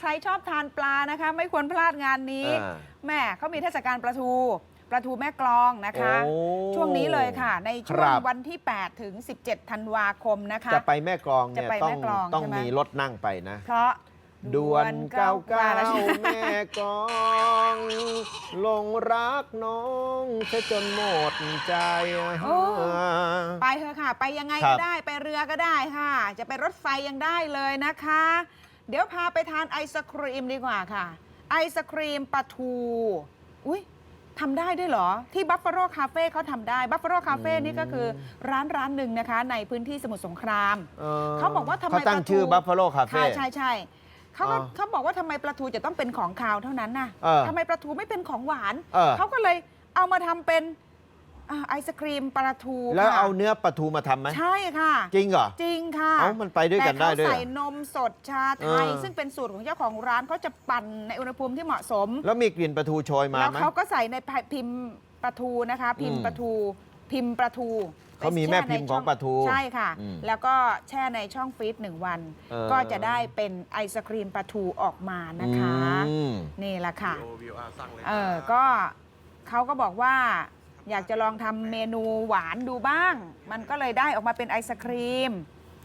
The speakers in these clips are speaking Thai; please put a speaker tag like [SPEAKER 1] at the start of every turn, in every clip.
[SPEAKER 1] ครชอบทานปลานะคะไม่ควรพลาดงานนี้แม่เขามีเทศกาลปลาทูแม่กลองนะคะช่วงนี้เลยค่ะในช่วงวันที่8ถึง17ธันวาคมนะคะ
[SPEAKER 2] จะไปแม่กลองเนี่ยต้องมีรถนั่งไปนะ
[SPEAKER 1] เพราะ
[SPEAKER 2] ด่วนเก้าแม่กลองลงรักน้องซะจนหมดใจ
[SPEAKER 1] ไปเถอะค่ะไปยังไงก็ได้ไปเรือก็ได้ค่ะจะไปรถไฟยังได้เลยนะคะเดี๋ยวพาไปทานไอศครีมดีกว่าค่ะไอศครีมปลาทูอุ้ยทำได้ด้วยเหรอที่บัฟฟาโลคาเฟ่เขาทำได้บัฟฟาโลคาเฟ่นี่ก็คือร้านหนึ่งนะคะในพื้นที่สมุทรสงครามเขาบอกว่าทำไม
[SPEAKER 2] เขาตั้งชื่อบัฟฟาโลคาเฟ่
[SPEAKER 1] ใช่เขาบอกว่าทำไมปลาทูจะต้องเป็นของคาวเท่านั้นน่ะทำไมปลาทูไม่เป็นของหวานเขาก็เลยเอามาทำเป็นไอศครีมปลาทู
[SPEAKER 2] แล้วเอาเนื้อปลาทูมาทำไหม
[SPEAKER 1] ใช่ค่ะ
[SPEAKER 2] จริงเหรอ
[SPEAKER 1] จริงค่ะ
[SPEAKER 2] มันไปด้วยกันได้ด้วย
[SPEAKER 1] แต่เขาใส่นมสดชาไทยซึ่งเป็นสูตรของเจ้าของร้านเขาจะปั่นในอุณหภูมิที่เหมาะสม
[SPEAKER 2] แล้วมีกลิ่นปลาทูโชยมาไหม
[SPEAKER 1] แล้วเขาก็ใส่ในพิมพ์ปลาทูนะคะพิมพ์ปลาทู
[SPEAKER 2] เขามีแม่พิมพ์ของปลาทู
[SPEAKER 1] ใช่ค่ะแล้วก็แช่ในช่องฟรีซ1 วันก็จะได้เป็นไอศครีมปลาทูออกมานะคะนี่แหละค่ะก็เขาก็บอกว่าอยากจะลองทำเมนูหวานดูบ้าง มันก็เลยได้ออกมาเป็นไอศครีม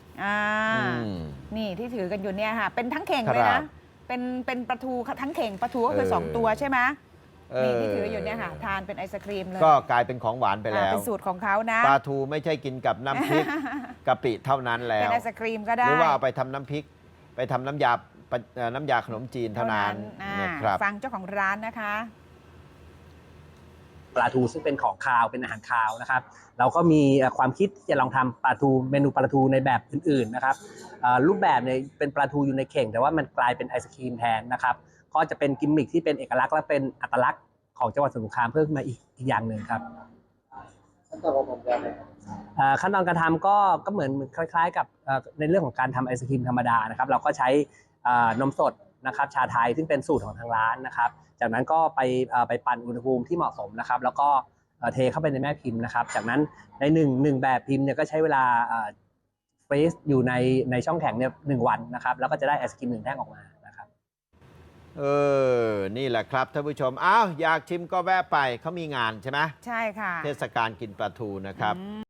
[SPEAKER 1] นี่ที่ถือกันอยู่เนี่ยค่ะเป็นทั้งเข่งเลยนะเป็นปลาทูทั้งเข่งปลาทูก็คือ2 ตัวใช่ไหมนี่ที่ถืออยู่เนี่ยค่ะทานเป็นไอศครีมเลย
[SPEAKER 2] ก็กลายเป็นของหวานไปแล้ว
[SPEAKER 1] เป็นสูตรของเขานะ
[SPEAKER 2] ปลาทูไม่ใช่กินกับน้ำพริกกะปิเท่านั้นแล้ว
[SPEAKER 1] เป็นไอศครีมก็ได้
[SPEAKER 2] หรือว่าเอาไปทำน้ำพริกไปทำน้ำยาขนมจีนเท่านั้นนะครับ
[SPEAKER 1] ฟังเจ้าของร้านนะคะ
[SPEAKER 3] ปลาทูซึ่งเป็นของคาวเป็นอาหารคาวนะครับเราก็มีความคิดจะลองทำปลาทูเมนูปลาทูในแบบอื่นๆนะครับรูปแบบเนี่ยเป็นปลาทูอยู่ในเข่งแต่ว่ามันกลายเป็นไอศครีมแทนนะครับก็จะเป็นกิมมิคที่เป็นเอกลักษณ์และเป็นอัตลักษณ์ของจังหวัดสมุทรสงครามเพิ่มมาอีกอย่างหนึ่งครับขั้นตอนการทำก็เหมือนคล้ายๆกับในเรื่องของการทำไอศครีมธรรมดานะครับเราก็ใช้นมสดนะครับชาไทยซึ่งเป็นสูตรของทางร้านนะครับจากนั้นก็ไปปั่นอุณหภูมิที่เหมาะสมนะครับแล้วก็เทเข้าไปในแม่พิมพ์นะครับจากนั้นในหนึ่งแบบพิมพ์เนี่ยก็ใช้เวลาฟรีซอยู่ในช่องแข็งเนี่ย1 วันนะครับแล้วก็จะได้ไอศกรีม1 แท่งออกมานะครับ
[SPEAKER 2] นี่แหละครับท่านผู้ชมอยากชิมก็แวะไปเขามีงานใช่ไหม
[SPEAKER 1] ใช่ค่ะ
[SPEAKER 2] เทศกาลกินปลาทูนะครับ